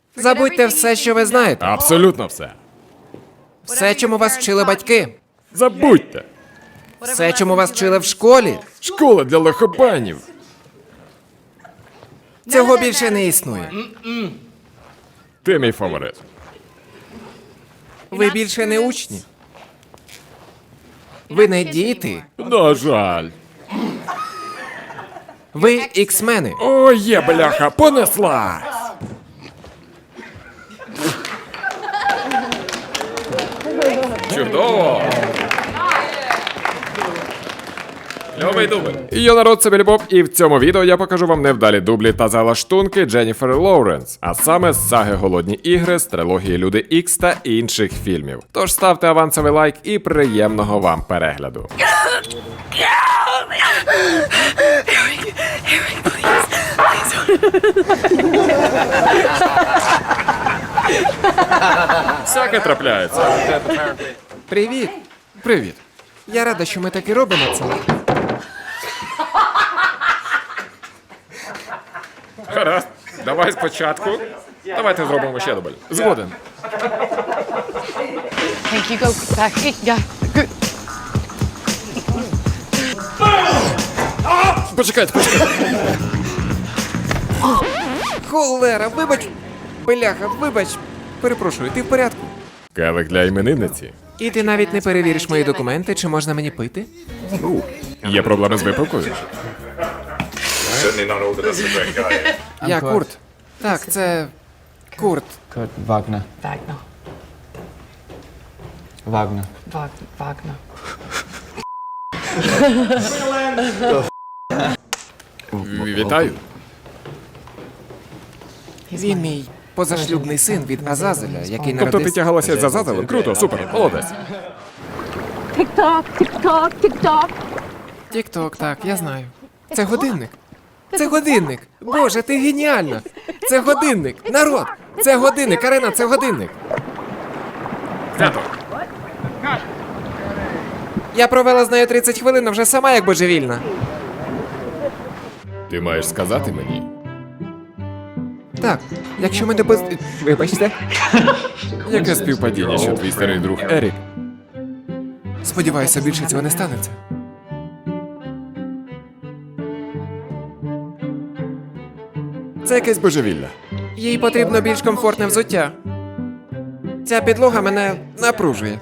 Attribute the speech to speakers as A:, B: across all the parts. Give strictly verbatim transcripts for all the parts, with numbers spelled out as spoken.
A: Забудьте все, що ви знаєте.
B: Абсолютно все.
A: Все, чому вас вчили батьки.
B: Забудьте.
A: Все, чому вас вчили в школі.
B: Школа для лохобанів.
A: Цього більше не існує.
B: Ти мій фаворит.
A: Ви більше не учні. Ви не діти.
B: На жаль.
A: Ви іксмени.
B: О, є, бляха, понеслась. Чудово. Льовий дубль. Я народ, це Білі Боб, і в цьому відео я покажу вам невдалі дублі та залаштунки Дженніфер Лоуренс, а саме з саги «Голодні ігри», з трилогії «Люди Ікс» та інших фільмів. Тож ставте авансовий лайк і приємного вам перегляду. Всяке трапляється.
A: Привіт.
B: Привіт.
A: Я рада, що ми так і робимо це.
B: Гаразд, давай спочатку. Давайте зробимо ще дубль. Згоден.
C: Thank you. Go back. Yeah. Good.
B: Почекайте, почекайте.
A: Холера, вибач. Бляха, вибач. Перепрошую, ти в порядку?
B: Келих для іменинниці.
A: І ти навіть не перевіриш мої документи, чи можна мені пити?
B: Є проблеми з випивкою?
D: Certainly not all that does a great guy.
A: Я Курт. Так, це Курт.
E: Kurt Wagner.
C: Wagner.
E: Wagner.
C: Wag- Wagner.
B: Вітаю.
A: Він мій позашлюбний син від Азазеля, який
B: Тобто ти
A: народився...
B: тягалася за Зазелем? Круто, супер, молодець.
F: Tick-tock, tick-tock, tick-tock.
A: Тік-ток, так, я знаю. Це годинник. Це годинник. Боже, ти геніальна. Це годинник. Народ. Це годинник. Арена, це годинник.
B: Тато.
A: Я провела з нею тридцять хвилин, а вже сама як божевільна.
B: Ти маєш сказати мені.
A: Так, якщо ми не поз... Вибачте.
B: Яке співпадіння, що твій старий друг Ерік?
A: Сподіваюся, більше цього не станеться.
B: Це якесь божевілля.
A: Їй потрібно більш комфортне взуття. Ця підлога мене напружує.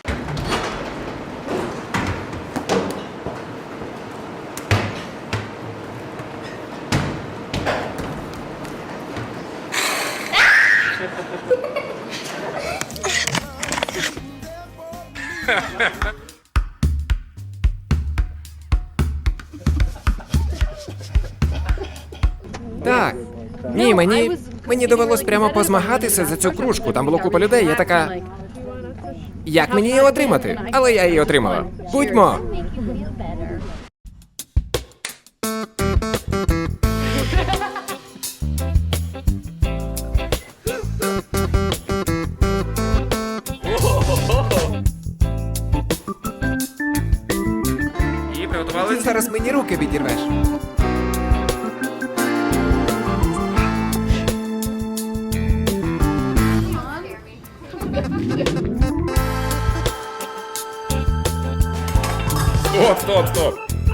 A: Так. Ні, мені. Мені довелось прямо позмагатися за цю кружку. Там було купа людей. Я така. Як мені її отримати? Але я її отримала. Будьмо! І приготували? Ти зараз мені руки відірвеш.
B: Стоп, стоп, стоп.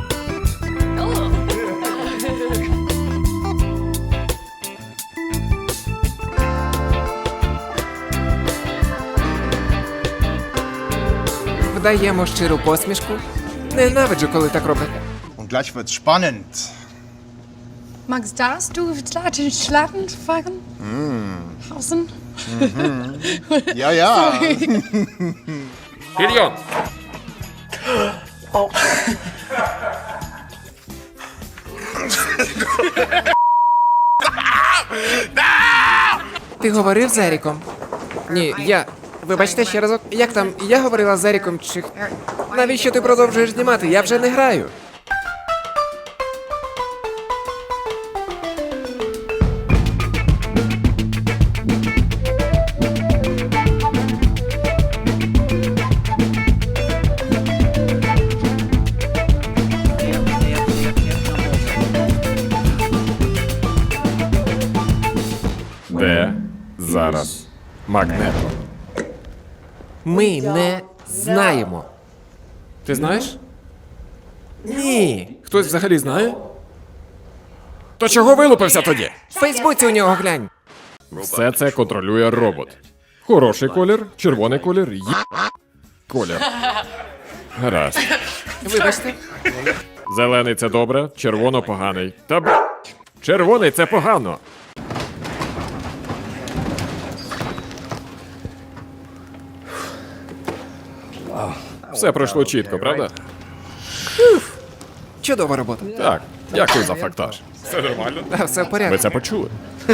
A: Вдаємо щиру посмішку. Ненавиджу, коли так роблять.
G: Und gleich wird's spannend.
C: Max, darfst du Schlatten Schlatten fahren? Hausen?
G: Ja, ja.
B: Підйом.
A: Ти говорив з Еріком? Ні, я. Вибачте ще разок. Як там? Я говорила з Еріком чи. Навіщо ти продовжуєш знімати? Я вже не граю.
B: Де Зараз. Магнето.
A: Ми не знаємо.
B: Ти знаєш?
A: Ні.
B: Хтось взагалі знає? То чого вилупився тоді?
A: В Фейсбуці у нього глянь.
B: Все це контролює робот. Хороший колір, червоний колір, є... колір. Гаразд.
A: Вибачте.
B: Зелений це добре, червоно поганий. Та б... Червоний це погано. Все пройшло чітко, правда?
A: Чудова робота.
B: Так, дякую за фактаж. Все нормально?
A: Та, все в
B: Ви
A: порядку.
B: це почули?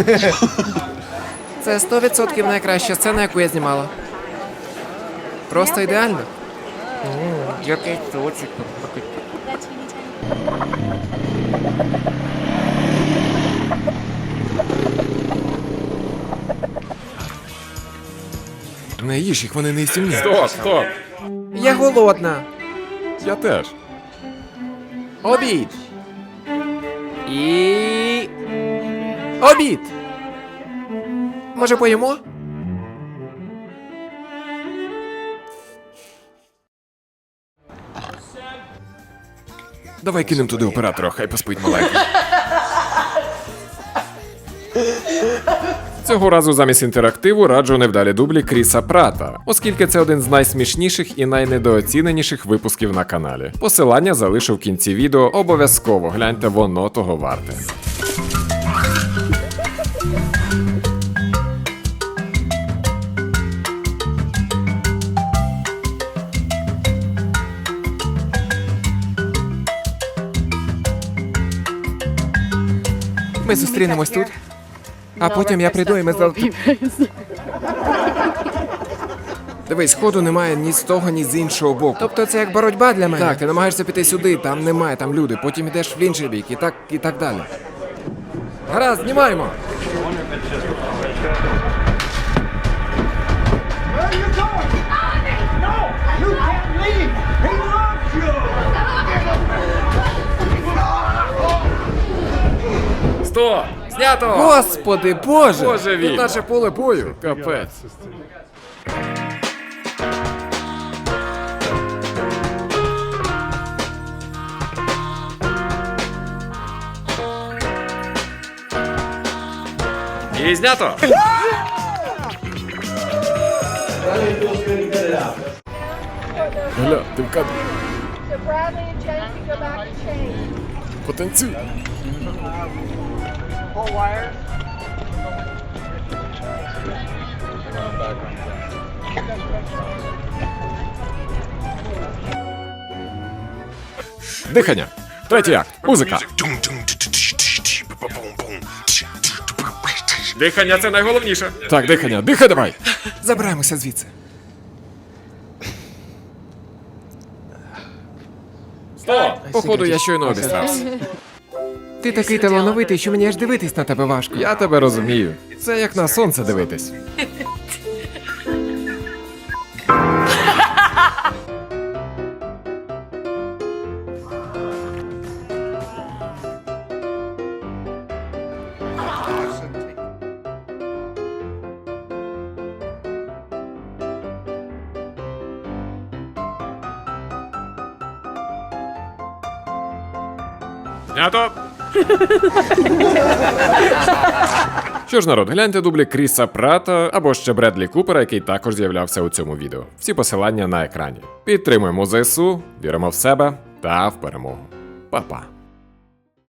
A: Це сто відсотків найкраща сцена, яку я знімала. Просто ідеально. Який цуцик.
B: Не їж їх, вони не істімні. Стоп, стоп.
A: Я голодна.
B: Я теж.
A: Обід. І. Обід. Може, поїмо?
B: Давай кинемо туди оператора, хай поспить маленький. Цього разу замість інтерактиву раджу невдалі дублі Кріса Прата, оскільки це один з найсмішніших і найнедооціненіших випусків на каналі. Посилання залишу в кінці відео, обов'язково гляньте, воно того варте.
A: Ми зустрінемось тут. А потім я прийду і ми зал... Дивись, ходу немає ні з того, ні з іншого боку. Тобто це як боротьба для мене? Так, ти намагаєшся піти сюди, там немає, там люди, потім йдеш в інший бік і так, і так далі. Гаразд, знімаємо!
B: Стоп! Знято!
A: Господи, Боже!
B: Боже він!
A: Тут наше поле бою.
B: Капець. І знято! Гля, ти в кадрі.
F: So Bradley and Jen can go back and change.
B: Потанцюй. Дихання. Третій акт. Музика. Дихання це найголовніше. Так, дихання. Дихай давай.
A: Забираємося звідси.
B: Стоп! Походу, я щойно обістрався.
A: Ти такий талановитий, що мені аж дивитись на тебе важко.
B: Я тебе розумію. Це як на сонце дивитись. Знято! Що ж, народ, гляньте дублі Кріса Прата або ще Бредлі Купера, який також з'являвся у цьому відео. Всі посилання на екрані. Підтримуємо ЗСУ, віримо в себе та в перемогу. Па-па.